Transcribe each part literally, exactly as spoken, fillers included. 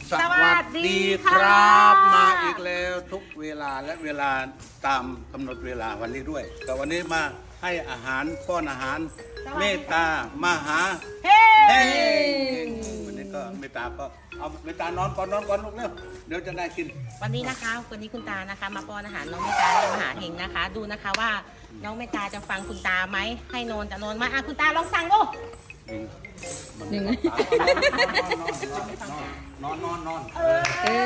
สวัสดีครับมาอีกแล้วทุกเวลาและเวลาตามกำหนดเวลาวันนี้ด้วยแต่วันนี้มาให้อาหารป้อนอาหารเมตตามาหาเฮ้วันนี้ก็เมตตาก็เอาเมตตานอนก่อนนอนก่อนลูกเร็วเดี๋ยวจะได้กินวันนี้นะคะวันนี้คุณตานะคะ มาป้อนอาหารน้องเมตตาและมหาเฮงนะคะ ดูนะคะว่าน้องเมตตาจะฟังคุณตาไหมให้นอนจะนอนไหมอ่ะคุณตาลองสั่งดูหนึ่งนอนนอนนอนเออ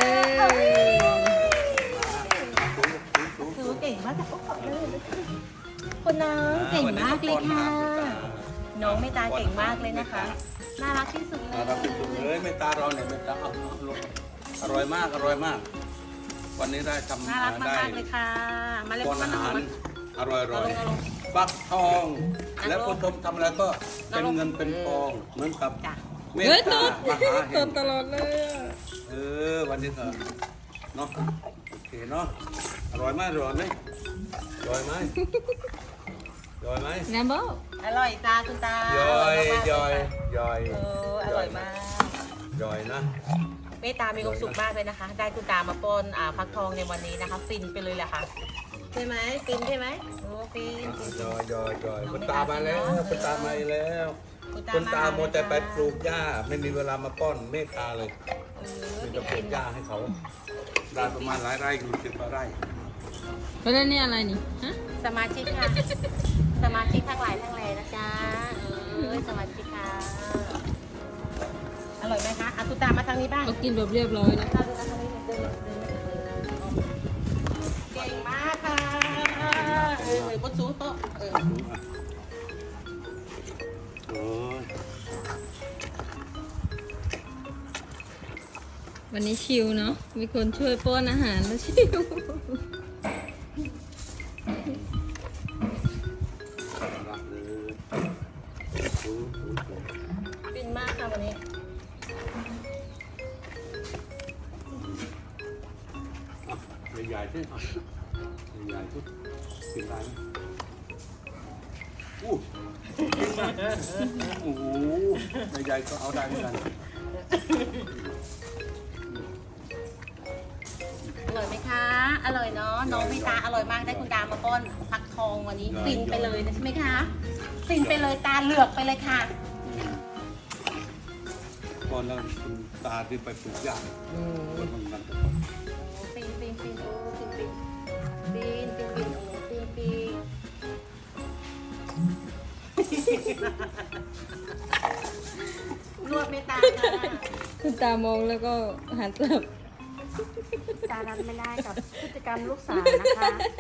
คือเก่งมากแต่ก็ขอบเลยคุณน้องเก่งมากเลยค่ะน้องเมตตาเก่งมากเลยนะคะน่ารักที่สุดเลยน่ารักที่สุดเลยเมตตาเราเนี่ยเมตตาเอาลูกอร่อยมากอร่อยมาก วันนี้ได้ทำน่ารักได้มากเลยค่ะมาเล่นป้อนมาอาหารมาอร่อยอร่อยฟักทอง แล้วผู้ชมทำอะไรก็เป็นเงินเป็นทองเหมือนกับเมตตามหาเห็นตลอดเลยเออวันนี้ก็เนาะโอเคเนาะอร่อยไหมอร่อยไหมอร่อยไหมอร่อยไหมแนมโบอร่อยจ้าคุณตาย่อยมากๆย่อยเลค่ะย่อยเอออร่อยมากย่อยนะเมตตามีความสุขมากเลยนะคะ ได้คุณตามาป้อนอ่าฟักทองในวันนี้นะคะ ฟินไปเลยแหละค่ะใช่ไหมฟินใช่ไหมโอ้ฟินฟินย่อยย่อยย่อยคุณตามาแล้วคุณตามาอีกแล้วคุณคุณตาาโมวแต่ไปปลูกหญ้าไม่มีเวลามาป้อนเมตตาเลยเออมีแต่ปลูกหญ้าให้เขาได้ประมาณหลายไร่อยู่สิบกว่าไร่แล้วนี่อะไรนี่ฮะสมาชิกค่ะ สมาชิกทั้งหลายทั้งแหล่นะจ๊ะเออสมาชิกค่ะอร่อยไหมคะอ่ะคุณตามาทางนี้บ้างเขากินแบบเรียบร้อยนะตาดูนะทางนี้เดินเดินเดินเก่งมากค่ะเออบนสูงโต๊ะเออโอ้ยวันนี้ชิลเนาะมีคนช่วยป้อนอาหารแล้วชิลรักเลยโอ้โหฟินมากค่ะวันนี้อ่ะใหญ่ๆสิอ่ะใหญ่ๆสิกินได้ไหมอู้กินไหมโอ้โหใหญ่ๆก็เอาได้เหมือนกันอร่อยไหมคะ อร่อยเนาะ น้องพี่ตาอร่อยมาก ได้คุณตามาป้อนฟักทองวันนี้ ฟินไปเลยนะใช่ไหมคะ ฟินไปเลยตาเหลือกไปเลยค่ะก่อนแล้วคุณตาที่ไปปลูกหญ้าคนมันมันฟินฟินฟินโอ้ฟินฟินฟินฟินฟินโอ้ฟินฟินรวบเมตตาค่ะคุณตามองแล้วก็หันกลับตารับไม่ได้กับพฤติกรรมลูกสาวนะคะ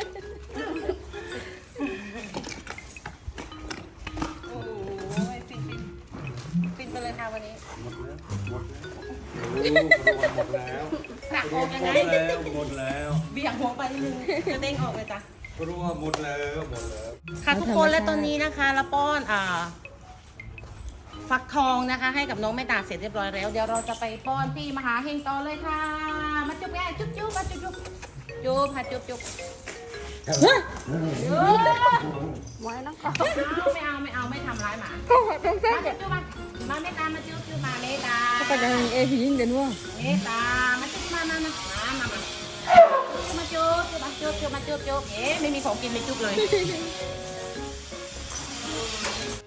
โอ้โหฟินฟินฟินไปเลยค่ะวันนี้หมดแล้วหมดแล้วหมดแล้วหนักออกยังหมไงดแล้วหมดแล้วเบี่ยงหัวไปนิดนึงจะเด้งออกเลยจ้ะรู้ว่าหมดแล้วหมดแล้วค่ะทุกคนและตอนนี้นะคะเราป้อนอ่าฟักทองนะคะ ให้กับน้องแม่ตาเสร็จเรียบร้อยแล้ว เดี๋ยวเราจะไปป้อนพี่มหาเฮงต่อเลยค่ะ มาจุ๊บแม่จุ๊บจุ๊บมาจุ๊บจุ๊บจุ๊บค่ะจุ๊บจุ๊บจุ๊บไว้แล้วก็ไม่เอาไม่เอาไม่เอาไม่ทำร้ายหมาก็ต้องใส่มาจุ๊บจุ๊บมามาแม่ตามาจุ๊บจุ๊บมาแม่ตาก็จะมีเอพียิงกันว่าแม่ตามาจุ๊บมามามามามามามาจุ๊บจุ๊บมาจุ๊บจุ๊บมาจุ๊บจุ๊บเอ๊ะไม่มีของกินไม่จุ๊บเลย